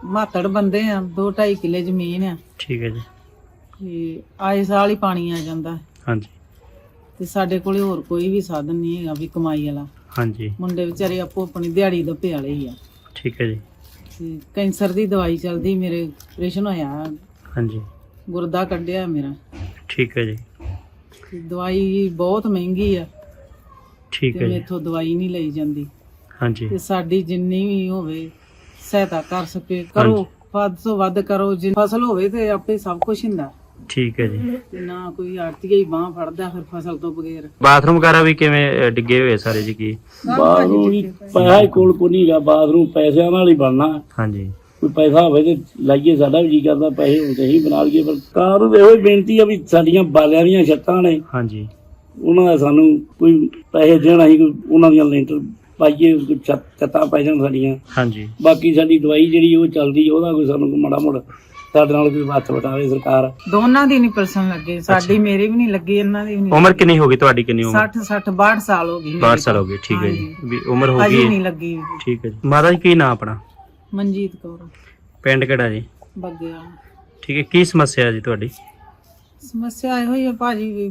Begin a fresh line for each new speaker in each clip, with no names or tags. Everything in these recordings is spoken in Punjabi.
ਮਾਤੜ ਬੰਦੇ ਆ, 2-2.5 ਕਿੱਲੇ ਜ਼ਮੀਨ ਆ
ਠੀਕ ਹੈ ਜੀ।
ਤੇ ਆਏ ਸਾਲ ਹੀ ਪਾਣੀ ਆ ਜਾਂਦਾ
ਹਾਂਜੀ
ਤੇ ਸਾਡੇ ਕੋਲੇ ਹੋਰ ਕੋਈ ਵੀ ਸਾਧਨ ਨਹੀਂ ਹੈਗਾ ਵੀ ਕਮਾਈ ਵਾਲਾ।
ਹਾਂਜੀ
ਮੁੰਡੇ ਵਿਚਾਰੇ ਆਪੋ ਆਪਣੀ ਦਿਹਾੜੀ ਦੱਪੇ ਵਾਲੇ ਹੀ ਆ।
ਠੀਕ ਹੈ ਜੀ।
ਤੇ ਕੈਂਸਰ ਦੀ ਦਵਾਈ ਚੱਲਦੀ, ਮੇਰੇ ਆਪਰੇਸ਼ਨ ਹੋਇਆ,
ਹਾਂਜੀ
ਗੁਰਦਾ ਕੱਢਿਆ ਮੇਰਾ।
ਠੀਕ ਹੈ ਜੀ।
ਤੇ ਦਵਾਈ ਬਹੁਤ ਮਹਿੰਗੀ ਆ
ਠੀਕ
ਤੇ
ਹੈ ਜੀ।
ਮੇਥੋਂ ਦਵਾਈ ਨਹੀਂ ਲਈ ਜਾਂਦੀ।
ਹਾਂਜੀ
ਤੇ ਸਾਡੀ ਜਿੰਨੀ ਵੀ ਹੋਵੇ ਸਹਾਇਤਾ ਕਰ ਸਕੇ ਕਰੋ, ਵੱਧ ਤੋਂ ਵੱਧ ਕਰੋ। ਜੇ ਫਸਲ ਹੋਵੇ ਤੇ ਆਪੇ ਸਭ ਕੁਝ ਹੁੰਦਾ
ਠੀਕ ਹੈ ਜੀ।
ਤੇ ਨਾ ਕੋਈ ਆੜਤੀਆ ਹੀ ਬਾਂਹ ਫੜਦਾ ਫਿਰ ਫਸਲ ਤੋਂ ਬਗੈਰ।
ਬਾਥਰੂਮ ਵਗੈਰਾ ਵੀ ਕਿਵੇਂ ਡਿੱਗੇ ਹੋਏ ਸਾਰੇ ਜੀ? ਕੀ
ਬਾਥਰੂਮ ਵੀ ਪੈਸਾ ਹੀ ਕੋਲ ਕੋ ਨਹੀਂਗਾ, ਬਾਥਰੂਮ ਪੈਸਿਆਂ ਨਾਲ ਹੀ ਬਣਨਾ।
ਹਾਂਜੀ
ਕੋਈ ਪੈਸਾ ਹੋਵੇ ਤੇ ਲਾਈਏ, ਸਾਡਾ ਵੀ ਜੀ ਕਰਦਾ ਪੈਸੇ ਹੁੰਦੇ ਹੀ ਬਣਾ ਲਈਏ। ਪਰ ਕਾਰ ਨੂੰ ਇਹੋ ਹੀ ਬੇਨਤੀ ਆ ਵੀ ਸਾਡੀਆਂ ਬਾਲਿਆਂ ਦੀਆਂ ਛੱਤਾਂ ਨੇ,
ਹਾਂਜੀ
ਉਹਨਾਂ ਦਾ ਸਾਨੂੰ ਕੋਈ ਪੈਸੇ ਦੇਣ, ਅਸੀਂ ਕੋਈ ਉਹਨਾਂ ਦੀਆਂ ਲੈਂਟਰ ਪਾਈਏ, ਕੋਈ ਛੱਤਾਂ ਪੈ ਜਾਣ ਸਾਡੀਆਂ।
ਹਾਂਜੀ
ਬਾਕੀ ਸਾਡੀ ਦਵਾਈ ਜਿਹੜੀ ਉਹ ਚੱਲਦੀ, ਉਹਦਾ ਕੋਈ ਸਾਨੂੰ ਮਾੜਾ ਮੋੜਾ ਸਾਡੇ ਨਾਲ ਕੋਈ ਹੱਥ ਵਟਾਵੇ ਸਰਕਾਰ।
ਦੋਨਾਂ ਦੀ ਨਹੀਂ ਪਰਸਨ ਲੱਗੇ, ਸਾਡੀ ਮੇਰੀ ਵੀ ਨਹੀਂ ਲੱਗੀ, ਇਹਨਾਂ ਦੀ ਵੀ ਨਹੀਂ।
ਉਮਰ ਕਿੰਨੀ ਹੋ ਗਈ ਤੁਹਾਡੀ? ਕਿੰਨੀ ਉਮਰ?
60 ਸਾਲ ਹੋ ਗਈ।
62 ਸਾਲ ਹੋ ਗਏ। ਠੀਕ ਹੈ ਜੀ, ਵੀ ਉਮਰ ਹੋ
ਅਜੇ
ਗਈ
ਨਹੀਂ
ਹੈ।
ਲੱਗੀ।
ਠੀਕ ਹੈ ਜੀ। ਮਾਤਾ ਜੀ ਕੀ ਨਾਂ ਆਪਣਾ?
ਮਨਜੀਤ ਕੌਰ,
ਪਿੰਡ ਕਿਹੜਾ ਜੀ?
ਬੱਗਿਆ।
ਠੀਕ ਹੈ। ਕੀ ਸਮੱਸਿਆ ਜੀ ਤੁਹਾਡੀ?
ਸਮੱਸਿਆ ਇਹੋ ਹੀ ਆ ਭਾਜੀ ਵੀ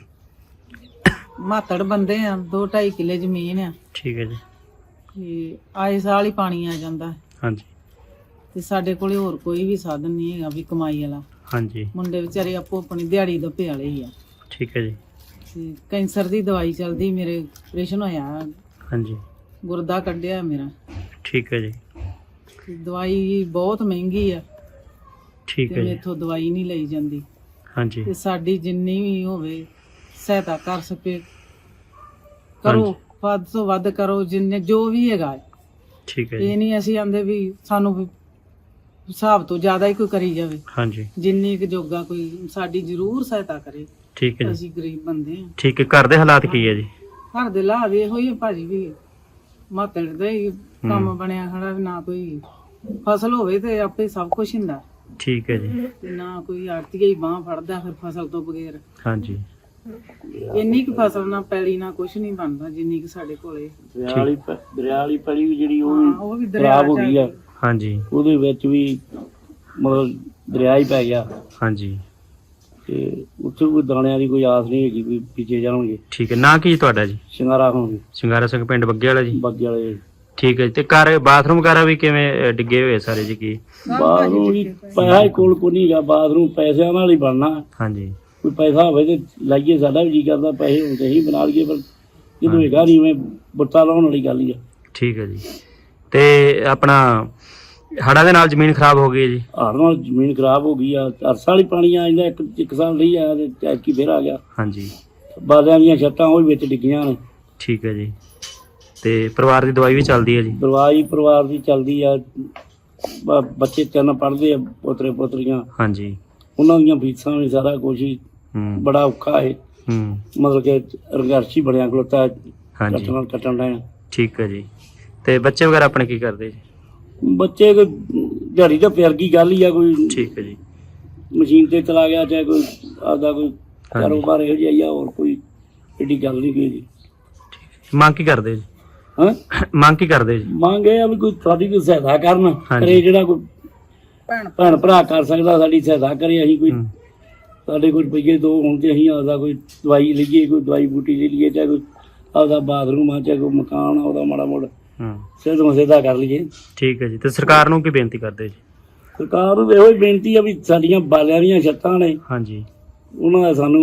ਮਾਤੜ ਬੰਦੇ ਆ, 2-2.5 ਕਿੱਲੇ ਜ਼ਮੀਨ ਆ
ਠੀਕ ਹੈ ਜੀ।
ਤੇ ਆਏ ਸਾਲ ਹੀ ਪਾਣੀ ਆ ਜਾਂਦਾ
ਹਾਂਜੀ
ਤੇ ਸਾਡੇ ਕੋਲੇ ਹੋਰ ਕੋਈ ਵੀ ਸਾਧਨ ਨਹੀਂ ਹੈਗਾ ਵੀ ਕਮਾਈ ਵਾਲਾ।
ਹਾਂਜੀ
ਮੁੰਡੇ ਵਿਚਾਰੇ ਆਪੋ ਆਪਣੀ ਦਿਹਾੜੀ ਦੱਪੇ ਵਾਲੇ ਹੀ ਆ।
ਠੀਕ ਹੈ ਜੀ।
ਤੇ ਕੈਂਸਰ ਦੀ ਦਵਾਈ ਚੱਲਦੀ, ਮੇਰੇ ਆਪਰੇਸ਼ਨ ਹੋਇਆ,
ਹਾਂਜੀ
ਗੁਰਦਾ ਕੱਢਿਆ ਮੇਰਾ।
ਠੀਕ ਹੈ ਜੀ।
ਤੇ ਦਵਾਈ ਬਹੁਤ ਮਹਿੰਗੀ ਆ
ਠੀਕ
ਤੇ
ਹੈ ਜੀ।
ਮੇਥੋਂ ਦਵਾਈ ਨਹੀਂ ਲਈ ਜਾਂਦੀ।
ਹਾਂਜੀ
ਤੇ ਸਾਡੀ ਜਿੰਨੀ ਵੀ ਹੋਵੇ ਸਹਾਇਤਾ ਕਰ ਸਕੇ ਕਰੋ, ਵੱਧ ਤੋਂ ਵੱਧ ਕਰੋ, ਜਿੰਨੇ ਜੋ ਵੀ ਹੈਗਾ।
ਠੀਕ ਹੈ ਜੀ।
ਇਹ ਨਹੀਂ ਅਸੀਂ ਆਂਦੇ ਵੀ ਸਾਨੂੰ ਵੀ ਹਿਸਾਬ ਤੋਂ ਜ਼ਿਆਦਾ ਹੀ ਕੋਈ ਕਰੀ ਜਾਵੇ।
ਹਾਂਜੀ
ਜਿੰਨੀ ਕੁ ਜੋਗਾ ਕੋਈ ਸਾਡੀ ਜ਼ਰੂਰ ਸਹਾਇਤਾ ਕਰੇ।
ਠੀਕ ਹੈ ਜੀ।
ਅਸੀਂ ਗਰੀਬ ਬੰਦੇ ਆ।
ਠੀਕ ਹੈ। ਘਰ ਦੇ ਹਾਲਾਤ ਕੀ ਹੈ ਜੀ?
ਘਰ ਦੇ ਹਾਲਾਤ ਇਹੋ ਹੀ ਆ ਭਾਜੀ ਵੀ ਮਾਤੜ ਦਾ ਹੀ ਕੰਮ ਬਣਿਆ ਖੜਾ ਵੀ, ਨਾ ਕੋਈ ਫਸਲ ਹੋਵੇ ਤੇ ਆਪੇ ਸਭ ਕੁਝ ਹੁੰਦਾ
ਠੀਕ ਹੈ ਜੀ।
ਤੇ ਨਾ ਕੋਈ ਆੜਤੀਆ ਹੀ ਬਾਂਹ ਫੜਦਾ ਫਿਰ ਫਸਲ ਤੋਂ ਬਗੈਰ।
ਹਾਂਜੀ
ਇੰਨੀ ਕੁ ਫਸਲ ਨਾ ਪੈਲੀ ਨਾ ਕੁਝ ਨਹੀਂ ਬਣਦਾ ਜਿੰਨੀ ਕੁ ਸਾਡੇ ਕੋਲੇ।
ਦਰਿਆ ਵਾਲੀ ਪੈਲੀ ਵੀ ਜਿਹੜੀ ਉਹ
ਹਾਂ,
ਵੀ
ਉਹ ਵੀ ਦਰਿਆ
ਖਰਾਬ ਹੋ ਗਈ ਆ,
ਹਾਂਜੀ
ਉਹਦੇ ਵਿੱਚ ਵੀ ਮਤਲਬ ਦਰਿਆ ਹੀ ਪੈ ਗਿਆ
ਹਾਂਜੀ
ਤੇ ਉੱਥੇ ਕੋਈ ਦਾਣਿਆਂ ਦੀ ਕੋਈ ਆਸ ਨਹੀਂ ਹੈਗੀ ਵੀ ਪਿੱਛੇ ਜਾਣਗੇ।
ਠੀਕ ਹੈ। ਨਾਂ ਕੀ ਤੁਹਾਡਾ ਜੀ?
ਸ਼ਿੰਗਾਰਾ ਹੋਣਗੇ
ਸਿੰਗਾਰਾ ਸਿੰਘ, ਪਿੰਡ ਬੱਗੇ ਵਾਲਾ ਜੀ।
ਬਾਗੀ ਵਾਲੇ।
ਠੀਕ ਹੈ ਜੀ। ਤੇ ਘਰ ਬਾਥਰੂਮ ਵਗੈਰਾ ਵੀ ਕਿਵੇਂ ਡਿੱਗੇ ਹੋਏ ਸਾਰੇ ਜੀ? ਕੀ
ਬਾਥਰੂਮ ਵੀ ਪੈਸਾ ਹੀ ਕੋਲ ਕੋ ਨਹੀਂਗਾ, ਬਾਥਰੂਮ ਪੈਸਿਆਂ ਨਾਲ ਹੀ ਬਣਨਾ।
ਹਾਂਜੀ
ਕੋਈ ਪੈਸਾ ਹੋਵੇ ਤੇ ਲਾਈਏ, ਸਾਡਾ ਵੀ ਜੀ ਕਰਦਾ ਪੈਸੇ ਹੁੰਦੇ ਹੀ ਬਣਾ ਲਈਏ। ਪਰ ਜਦੋਂ ਹੈਗਾ ਨਹੀਂ, ਮੈਂ ਬੁੱਤਾ ਲਾਉਣ ਵਾਲੀ ਗੱਲ ਹੀ ਆ।
ਠੀਕ ਹੈ ਜੀ। ਤੇ ਆਪਣਾ ਹੜ੍ਹਾਂ ਦੇ ਨਾਲ ਜ਼ਮੀਨ ਖਰਾਬ ਹੋ ਗਈ ਹੈ ਜੀ?
ਹੜ੍ਹ ਨਾਲ ਜ਼ਮੀਨ ਖਰਾਬ ਹੋ ਗਈ ਆ, ਹਰ ਸਾਲ ਹੀ ਪਾਣੀ ਆ ਜਾਂਦਾ, ਇੱਕ ਸਾਲ ਨਹੀਂ ਆਇਆ ਤੇ ਐਤਕੀ ਫੇਰ ਆ ਗਿਆ।
ਹਾਂਜੀ
ਬਾਲਿਆਂ ਦੀਆਂ ਛੱਤਾਂ ਉਹ ਵੀ ਵਿੱਚ ਡਿੱਗੀਆਂ ਨੇ।
ਠੀਕ ਹੈ ਜੀ। ਤੇ ਪਰਿਵਾਰ ਦੀ ਦਵਾਈ ਵੀ ਚੱਲਦੀ ਹੈ ਜੀ?
ਪਰਿਵਾਰ ਦੀ ਚੱਲਦੀ ਆ। ਬੱਚੇ 3 ਪੜ੍ਹਦੇ ਆ, ਪੋਤਰੇ ਪੋਤਰੀਆਂ,
ਹਾਂਜੀ
ਉਹਨਾਂ ਦੀਆਂ ਫੀਸਾਂ ਵੀ ਸਾਰਾ ਕੁਛ ਹੀ ਬੜਾ ਔਖਾ ਹੈ। ਮਤਲਬ ਕਿ ਰੰਗਰਸ਼ੀ ਬਣਿਆ ਖਲੋਤਾ,
ਹਾਂਜੀ
ਕੱਟਣ ਦਾ।
ਠੀਕ ਹੈ ਜੀ। ਤੇ ਬੱਚੇ ਵਗੈਰਾ ਆਪਣੇ ਕੀ ਕਰਦੇ ਜੀ?
ਬੱਚੇ ਕੋਈ ਦਿਹਾੜੀ ਤਾਂ ਫਿਰ ਕੀ ਗੱਲ ਹੀ ਆ, ਕੋਈ
ਠੀਕ ਹੈ ਜੀ।
ਮਸ਼ੀਨ ਤੇ ਚਲਾ ਗਿਆ, ਚਾਹੇ ਕੋਈ ਆਪਦਾ ਕੋਈ ਕਾਰੋਬਾਰ ਇਹੋ ਜਿਹਾ ਹੀ ਆ, ਹੋਰ ਕੋਈ ਏਡੀ ਗੱਲ ਨਹੀਂ ਕੋਈ ਜੀ।
ਮੰਗ ਕੀ ਕਰਦੇ ਜੀ?
ਹਾਂ
ਮੰਗ ਕੀ ਕਰਦੇ ਜੀ?
ਮੰਗ ਇਹ ਆ ਵੀ ਕੋਈ ਸਾਡੀ ਕੋਈ ਸਹਾਇਤਾ ਕਰਨ ਕਰੇ, ਜਿਹੜਾ ਕੋਈ ਭੈਣ ਭਰਾ ਕਰ ਸਕਦਾ ਸਾਡੀ ਸਹਾਇਤਾ ਕਰੇ। ਅਸੀਂ ਕੋਈ ਸਾਡੇ ਕੋਈ ਰੁਪਈਏ 2 ਹੋਣ ਤੇ ਅਸੀਂ ਆਪਦਾ ਕੋਈ ਦਵਾਈ ਲਈਏ, ਕੋਈ ਦਵਾਈ ਬੂਟੀ ਲੈ ਲਈਏ, ਚਾਹੇ ਕੋਈ ਆਪਦਾ ਬਾਥਰੂਮ ਆ, ਚਾਹੇ ਕੋਈ ਮਕਾਨ ਆ, ਉਹਦਾ ਮਾੜਾ ਮੋੜਾ ਸਿੱਧ ਮਸੇਦਾ ਕਰ ਲਈਏ।
ਠੀਕ ਹੈ ਜੀ। ਤੇ ਸਰਕਾਰ ਨੂੰ ਕੀ ਬੇਨਤੀ ਕਰਦੇ ਜੀ?
ਸਰਕਾਰ ਨੂੰ ਇਹੋ ਹੀ ਬੇਨਤੀ ਆ ਵੀ ਸਾਡੀਆਂ ਬਾਲਿਆਂ ਦੀਆਂ ਛੱਤਾਂ ਨੇ,
ਹਾਂਜੀ
ਉਹਨਾਂ ਦਾ ਸਾਨੂੰ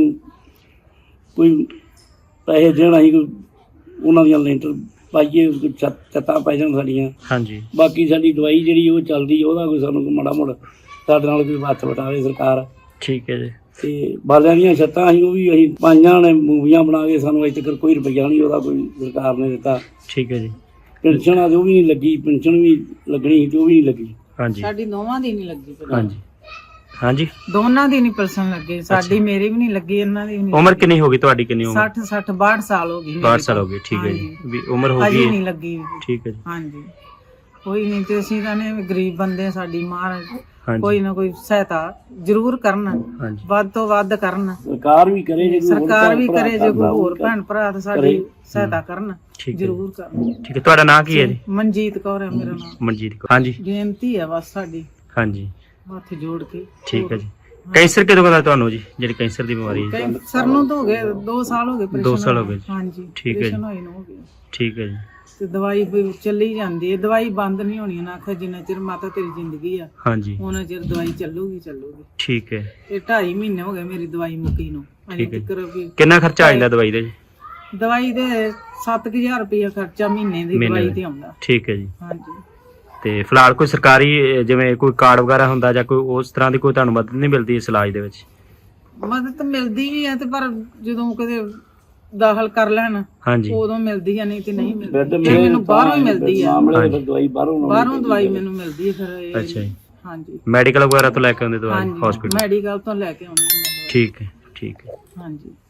ਕੋਈ ਪੈਸੇ ਦੇਣ, ਅਸੀਂ ਕੋਈ ਉਹਨਾਂ ਦੀਆਂ ਲੈਂਟਰ ਪਾਈਏ, ਕੋਈ ਛੱਤਾਂ ਪੈ ਜਾਣ ਸਾਡੀਆਂ।
ਹਾਂਜੀ
ਬਾਕੀ ਸਾਡੀ ਦਵਾਈ ਜਿਹੜੀ ਉਹ ਚੱਲਦੀ, ਉਹਦਾ ਕੋਈ ਸਾਨੂੰ ਕੋਈ ਮਾੜਾ ਮੋੜਾ ਸਾਡੇ ਨਾਲ ਕੋਈ ਹੱਥ ਵਟਾਵੇ ਸਰਕਾਰ।
ਠੀਕ ਹੈ ਜੀ।
ਤੇ ਬਾਲਿਆਂ ਦੀਆਂ ਛੱਤਾਂ ਅਸੀਂ ਉਹ ਵੀ ਅਸੀਂ ਪਾਈਆਂ ਨੇ, ਮੂਵੀਆਂ ਬਣਾ ਕੇ, ਸਾਨੂੰ ਅਜੇ ਤੱਕ ਕੋਈ ਰੁਪਈਆ ਨਹੀਂ ਉਹਦਾ ਕੋਈ ਸਰਕਾਰ ਨੇ ਦਿੱਤਾ।
ਠੀਕ ਹੈ ਜੀ।
ਪੈਨਸ਼ਨ ਆ ਉਹ ਵੀ ਨਹੀਂ ਲੱਗੀ, ਪੈਨਸ਼ਨ ਵੀ ਲੱਗਣੀ ਸੀ ਤੇ ਉਹ ਵੀ ਨਹੀਂ ਲੱਗੀ।
ਹਾਂਜੀ
ਸਾਡੀ ਦੋਵਾਂ ਦੀ ਨਹੀਂ ਲੱਗੀ।
ਹਾਂਜੀ ਹਾਂਜੀ
ਦੋਨਾਂ ਦੀ ਨਹੀਂ ਪਰਸਨ ਲੱਗੇ, ਸਾਡੀ ਮੇਰੀ ਵੀ ਨਹੀਂ ਲੱਗੀ, ਇਹਨਾਂ ਦੀ ਵੀ ਨਹੀਂ।
ਉਮਰ ਕਿੰਨੀ ਹੋ ਗਈ ਤੁਹਾਡੀ? ਕਿੰਨੀ ਉਮਰ?
62 ਸਾਲ ਹੋ ਗਈ।
62 ਸਾਲ ਹੋ ਗਏ। ਠੀਕ ਹੈ ਜੀ। ਵੀ ਉਮਰ ਹੋ
ਅਜੇ
ਗਈ
ਨਹੀਂ ਲੱਗੀ।
ਠੀਕ ਹੈ ਜੀ।
ਹਾਂਜੀ ਕੋਈ ਨਹੀਂ, ਤੇ ਅਸੀਂ ਕਹਿੰਦੇ ਗਰੀਬ ਬੰਦੇ, ਸਾਡੀ ਮਾਰ
ਹਾਂਜੀ।
ਕੋਈ ਨਾ ਕੋਈ ਸਹਾਇਤਾ ਜ਼ਰੂਰ ਕਰਨ,
ਹਾਂਜੀ
ਵੱਧ ਤੋਂ ਵੱਧ ਕਰਨ।
ਸਰਕਾਰ ਵੀ ਕਰੇ ਜੇ ਕੋਈ ਹੋਰ
ਸਰਕਾਰ
ਭੈਣ
ਵੀ
ਭਰਾ
ਕਰੇ, ਜੇ ਕੋਈ
ਕਰਦਾ
ਹੋਰ
ਹੋਊਗਾ।
ਭੈਣ ਭਰਾ ਤਾਂ ਸਾਡੀ ਸਹਾਇਤਾ ਕਰਨ,
ਠੀਕ ਹੈ
ਜ਼ਰੂਰ ਕਰਨ।
ਠੀਕ ਹੈ। ਤੁਹਾਡਾ ਨਾਂ ਕੀ ਹੈ ਜੀ?
ਮਨਜੀਤ ਕੌਰ ਹੈ ਮੇਰਾ ਨਾਮ।
ਮਨਜੀਤ ਕੌਰ। ਹਾਂਜੀ
ਬੇਨਤੀ ਹੈ ਬਸ ਸਾਡੀ,
ਹਾਂਜੀ
ਹੱਥ ਜੋੜ ਕੇ।
ਠੀਕ ਹੈ ਜੀ। ਕੈਂਸਰ ਕਦੋਂ ਦਾ ਤੁਹਾਨੂੰ ਜੀ, ਜਿਹੜੀ ਕੈਂਸਰ ਦੀ ਬਿਮਾਰੀ ਹੈ?
ਕੈਂਸਰ ਨੂੰ ਤਾਂ ਹੋ ਗਏ 2 ਸਾਲ ਹੋ ਗਏ।
2 ਸਾਲ ਹੋ ਗਏ ਜੀ।
ਹਾਂਜੀ
ਠੀਕ ਹੈ ਜੀ।
operation ਹੋਏ ਨੂੰ ਹੋ ਗਏ।
ਠੀਕ ਹੈ ਜੀ।
ਤੇ ਦਵਾਈ ਵੀ ਚੱਲੀ ਜਾਂਦੀ ਹੈ, ਦਵਾਈ ਬੰਦ ਨਹੀਂ ਹੋਣੀ ਨਾ। ਆਖਿਆ ਜਿੰਨਾ ਚਿਰ ਮਾਤਾ ਤੇਰੀ ਜ਼ਿੰਦਗੀ ਆ
ਹਾਂਜੀ
ਉਹਨਾਂ ਚਿਰ ਦਵਾਈ ਚੱਲੂਗੀ।
ਠੀਕ ਹੈ।
ਇਹ 2.5 ਮਹੀਨੇ ਹੋ ਗਏ ਮੇਰੀ ਦਵਾਈ ਮੁੱਕੀ ਨੂੰ।
ਠੀਕ ਹੈ।
ਤੱਕ ਵੀ
ਕਿੰਨਾ ਖਰਚਾ ਆ ਜਾਂਦਾ ਦਵਾਈ ਦਾ ਜੀ?
ਦਵਾਈ ਦੇ 7000 ਰੁਪਇਆ ਖਰਚਾ ਮਹੀਨੇ ਦੀ
ਮਹੀਨੇ
ਦਵਾਈ
ਦਾ।
ਤੇ ਆਉਂਦਾ।
ਠੀਕ ਹੈ ਜੀ।
ਹਾਂਜੀ।
ਤੇ ਫਿਲਹਾਲ ਕੋਈ ਸਰਕਾਰੀ ਜਿਵੇਂ ਕੋਈ ਕਾਰਡ ਵਗੈਰਾ ਹੁੰਦਾ ਜਾਂ ਕੋਈ ਉਸ ਤਰ੍ਹਾਂ ਦੀ ਕੋਈ ਤੁਹਾਨੂੰ ਮਦਦ ਨਹੀਂ ਮਿਲਦੀ ਇਸ ਇਲਾਜ ਦੇ ਵਿੱਚ?
ਮਦਦ ਤਾਂ ਮਿਲਦੀ ਵੀ ਹੈ ਤੇ ਪਰ ਜਦੋਂ ਕਦੇ ਦਾਖਲ ਕਰ ਲੈਣ
ਹਾਂਜੀ
ਉਦੋਂ ਮਿਲਦੀ ਹੈ, ਨਹੀਂ ਤੇ ਨਹੀਂ ਮਿਲਦੀ।
ਬੈੱਡ
ਫਿਰ
ਮਿਲੇ
ਮੈਨੂੰ ਬਾਹਰੋਂ ਹੀ ਮਿਲਦੀ ਆ।
ਮਾਮਲੇ ਫਿਰ ਦਵਾਈ ਬਾਹਰੋਂ
ਦਵਾਈ ਮੈਨੂੰ ਮਿਲਦੀ ਹੈ ਫਿਰ ਇਹ।
ਅੱਛਾ ਜੀ।
ਹਾਂਜੀ
ਮੈਡੀਕਲ ਵਗੈਰਾ ਤੋਂ ਲੈ ਕੇ ਆਉਂਦੇ ਦਵਾਈ
ਹਾਂਜੀ
ਹਸਪੀਟਲ?
ਮੈਡੀਕਲ ਤੋਂ ਲੈ ਕੇ ਆਉਂਦੀ ਹਾਂ ਮੈਂ ਦਵਾਈ।
ਠੀਕ ਹੈ ਠੀਕ ਹੈ।
ਹਾਂਜੀ।